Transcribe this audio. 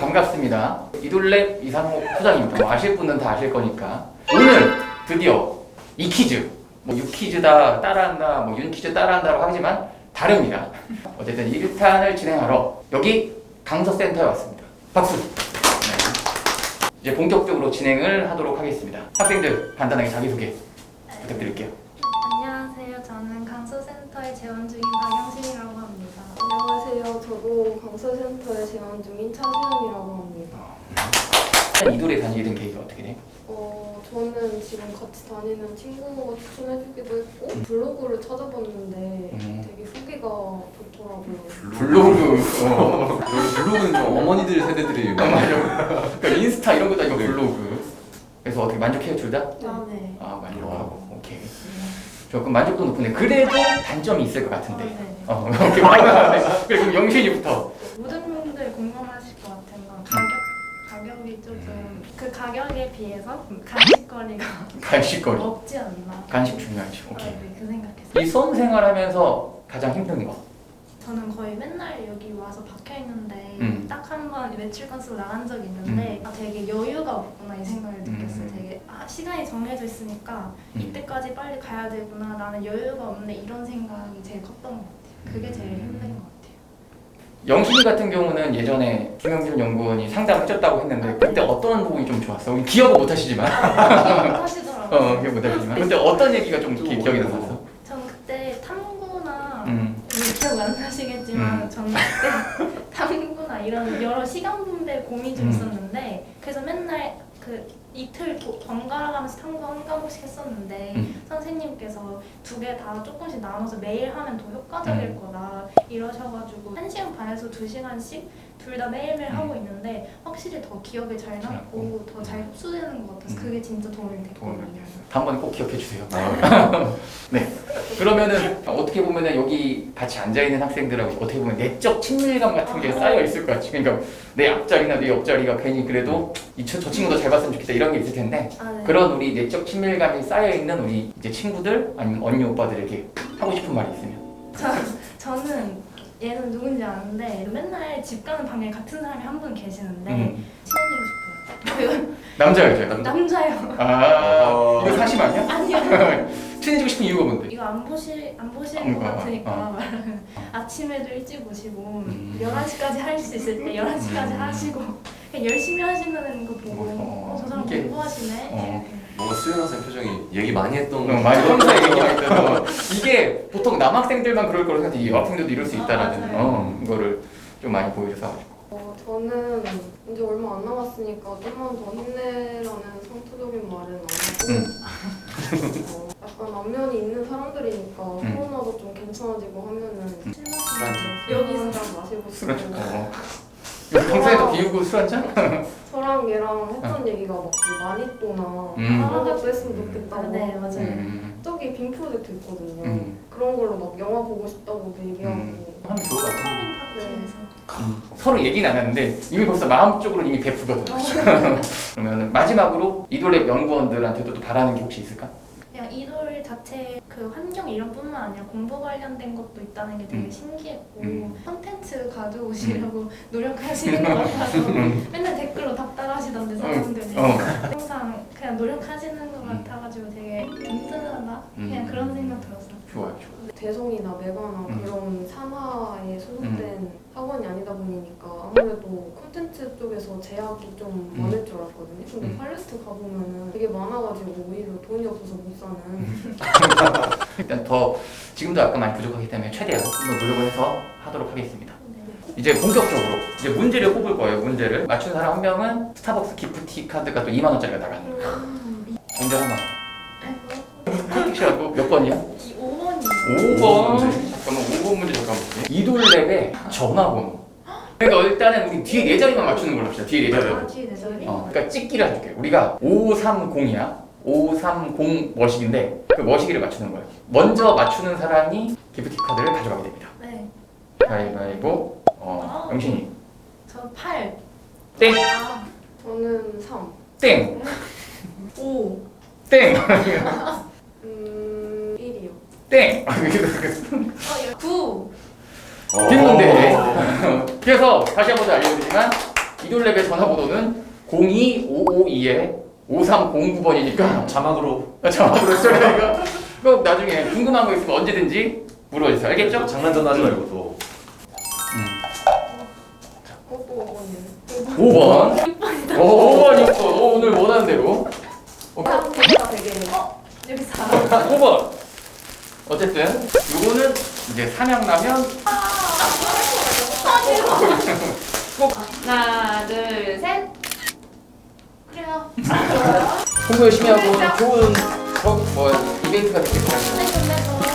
반갑습니다. 이돌랩 이상호 소장입니다. 뭐 아실 분은 다 아실 거니까. 오늘 드디어 이 퀴즈, 뭐 유퀴즈다 따라한다, 뭐 윤퀴즈 따라한다라고 하지만 다릅니다. 어쨌든 1탄을 진행하러 여기 강서센터에 왔습니다. 박수! 네. 이제 본격적으로 진행을 하도록 하겠습니다. 학생들 간단하게 자기소개 부탁드릴게요. 안녕하세요. 저는 강서센터에 재원 중인 박영신이라고 합니다. 안녕하세요. 저도 강서센터에 재원 중인 차수현이라고 합니다. 이돌에 다니게 된 계기가 어떻게 돼? 저는 지금 같이 다니는 친구가 추천해주기도 했고 블로그를 찾아봤는데 되게 후기가 좋더라고요. 블로그. 블로그는 좀 어머니들 세대들이 맞아. 그러니까 인스타 이런 것도 아니고 블로그. 그래서 어떻게 만족해요 둘 다? 아, 네. 아 만족하고. 오케이. 조금 만족도 높은데 그래도 단점이 있을 것 같은데. 네. 이렇게 말하는데. 그래 그럼 영신이부터. 모든 분들 공감하실 것 같은 건 가격이 조금 그 가격에 비해서 간식거리가 간식거리. 없지 않나. 간식 중요하지. 오케이. 네, 그 생각했어요. 이 수험 생활하면서 가장 힘든 거. 저는 거의 맨날 여기 와서 박혀 있는데 딱 한 번 외출 건수로 나간 적이 있는데 되게 여유가 없구나 이 생각을 느꼈어요. 되게 시간이 정해져 있으니까 이때까지 빨리 가야 되구나, 나는 여유가 없네, 이런 생각이 제일 컸던 것 같아요. 그게 제일 힘든 것 같아요. 영신이 같은 경우는 예전에 김영준 연구원이 상담을 해줬다고 했는데 그때 어떤 부분이 좀 좋았어? 기억은 못 하시지만. 하시더라고요. 기억 못 하시지만. 근데 어떤 얘기가 좀 기억이 남았어? 저는 그때 탐구나 기억 안 나시겠지만 저는 그때 탐구나 이런 여러 시간 분배 고민이 좀 있었는데 그래서 맨날 그 이틀 번갈아 가면서 탐구 한 과목씩 했었는데 선생님께서 두 개 다 조금씩 나눠서 매일 하면 더 효과적일 거다 이러셔가지고 1시간 반에서 2시간씩 둘 다 매일매일 하고 있는데 확실히 더 기억에 잘 남고 더 잘 흡수되는 것 같아서 그게 진짜 도움이 됐거든요. 다음번에 꼭 기억해 주세요. 네. 그러면은 어떻게 보면은 여기 같이 앉아 있는 학생들하고 어떻게 보면 내적 친밀감 같은 게 쌓여 있을 것 같지. 그러니까 내 앞자리나 내 옆자리가 괜히 그래도 저 친구도 잘 봤으면 좋겠다 이런 게 있을 텐데 네. 그런 우리 내적 친밀감이 쌓여 있는 우리 이제 친구들 아니면 언니 오빠들에게 하고 싶은 말이 있으면. 저는 얘는 누군지 아는데 맨날 집 가는 방에 같은 사람이 한 분 계시는데 친해지고 싶어요. 남자예요, 여자? 남자요. 이거 사심 아니야? 아니요. 친해지고 싶은 이유가 뭔데? 이거 안 보실 것 같으니까 아침에도 일찍 오시고 11시까지 할 수 있을 때 11시까지 하시고 그냥 열심히 하시는 거 보고 저 사람 이게- 공부하시네. 뭔가 수현 학생 표정이 얘기 많이 했던 많이 평소에 얘기했던 이게 보통 남학생들만 그럴 거라고 생각해. 여학생들도 이럴 수 있다라는 맞아요. 이거를 좀 많이 보여줘서 저는 이제 얼마 안 남았으니까 좀만 더 힘내라는 상투적인 말은 안 하고 약간 안면이 있는 사람들이니까 코로나도 좀 괜찮아지고 하면은 여기서 한잔 마시고 술 싶고 한잔 평소에 더 비우고 술 한잔? 저랑 얘랑 했던 얘기가 막그 마니또나 그런 것도 했으면 좋겠다고. 네, 맞아요. 저기 빔 프로젝트 있거든요. 그런 걸로 막 영화 보고 싶다고 얘기하고. 하면 좋을 것 같은데 파티에서. 서로 얘기는 안 하는데 이미 벌써 마음적으로 이미 베푸거든. 그러면 마지막으로 이돌랩 연구원들한테도 또 바라는 게 혹시 있을까? 그냥 이돌 자체 그 환경 이런 뿐만 아니라 공부 관련된 것도 있다는 게 되게 신기했고 콘텐츠 가져오시려고 노력하시는 것 같아서 맨날 댓글로 답답하시던데 사람들이 항상 그냥 노력하시는 것 같아가지고 되게 든든하다 그냥 그런 생각 들었어요. 좋아요. 대성이나 메가나 그런 산하에 소속된 학원이 아니다 보니까 아무래도 콘텐츠 쪽에서 제약이 좀 많을 줄 알았거든요. 근데 팔레트 가보면은 되게 많아가지고 오히려 돈이 없어서 못 사는. 일단 더 지금도 약간 많이 부족하기 때문에 최대한 좀 더 노력을 해서 하도록 하겠습니다. 이제 본격적으로 이제 문제를 뽑을 거예요. 문제를 맞춘 사람 한 명은 스타벅스 기프티 카드가 또 2만 원짜리가 나가는 거예요. 문제 하나. 택시하고 몇 번이야? 5번이요. 5번. 잠깐만 5번 문제 잠깐 볼게요. 이돌랩의 전화번호. 그러니까 일단은 우리 뒤에 네 자리만 맞추는 걸로 합시다. 뒤에 네 자리. 뒤에 내 자리? 그러니까 찍기를 해줄게요. 우리가 530이야. 530 머시기인데 그 머시기를 맞추는 거예요. 먼저 맞추는 사람이 기프티 카드를 가져가게 됩니다. 네. 가위바위보. 영신이. 저 8. 땡. 저는 3. 땡. 5. 땡. 1이요. 땡. 9. 빗문제. 그래서 다시 한 번 더 알려드리지만 이돌랩의 전화번호는 02552-5309번이니까 자막으로 자막으로 써야 꼭 나중에 궁금한 거 있으면 언제든지 물어주세요. 알겠죠? 장난 전화하지 말고 또 또 5번이네. 5번. 5번 6번. 오늘 원하는 대로. 대가 되게 여기 4. 5번. 어쨌든 이거는 이제 삼양라면. 하나, 둘, 셋. 그래요. 공부 열심히 하고 좋은 뭐 이벤트가 되길 바랍니다. 근데 또